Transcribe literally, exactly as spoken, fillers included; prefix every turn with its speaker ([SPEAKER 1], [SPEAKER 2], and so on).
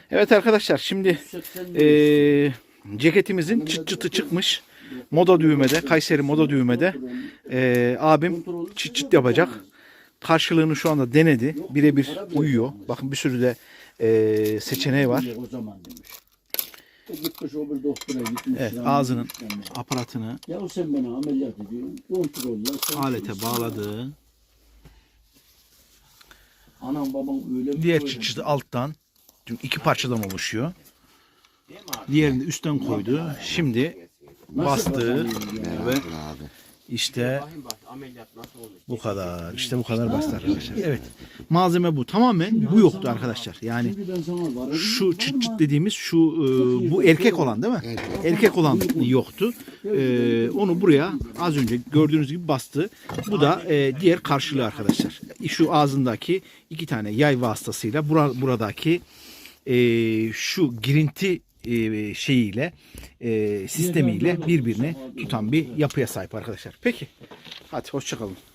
[SPEAKER 1] Evet arkadaşlar, şimdi eee, ceketimizin çıt çıtı çıkmış. Moda düğmede, Kayseri moda düğmede eee, abim çıt çıt yapacak. Karşılığını şu anda denedi. Birebir uyuyor. Bakın bir sürü de eee, seçeneği var.
[SPEAKER 2] O zaman demiş. E gitmiş o bir doktora gitmiş.
[SPEAKER 1] Evet,
[SPEAKER 2] yani
[SPEAKER 1] ağzının
[SPEAKER 2] gitmiş yani.
[SPEAKER 1] aparatını
[SPEAKER 2] Ya sen bana ameliyat ediyorsun. Kontroller. sen
[SPEAKER 1] alete
[SPEAKER 2] kimsin?
[SPEAKER 1] bağladığı,
[SPEAKER 2] Anam babam öyle mi?
[SPEAKER 1] diğer
[SPEAKER 2] böyle
[SPEAKER 1] çıt
[SPEAKER 2] mi?
[SPEAKER 1] çıtı alttan, çünkü iki parçadan oluşuyor. Diğerini de üstten koydu. Şimdi
[SPEAKER 2] Nasıl
[SPEAKER 1] bastığı
[SPEAKER 2] kazanıyorsun ya?
[SPEAKER 1] ve işte bu kadar. İşte bu kadar basit arkadaşlar. Evet. Malzeme bu. Tamamen bu yoktu arkadaşlar. Yani
[SPEAKER 2] Çünkü ben sana varım.
[SPEAKER 1] şu çıt çıt dediğimiz şu e, bu erkek olan değil mi? Erkek olan yoktu. E, onu buraya az önce gördüğünüz gibi bastı. Bu da e, diğer karşılığı arkadaşlar. Şu ağzındaki iki tane yay vasıtasıyla bura, buradaki e, şu girinti e, şeyiyle e, sistemiyle birbirini tutan bir yapıya sahip arkadaşlar. Peki. Hadi hoşça kalın.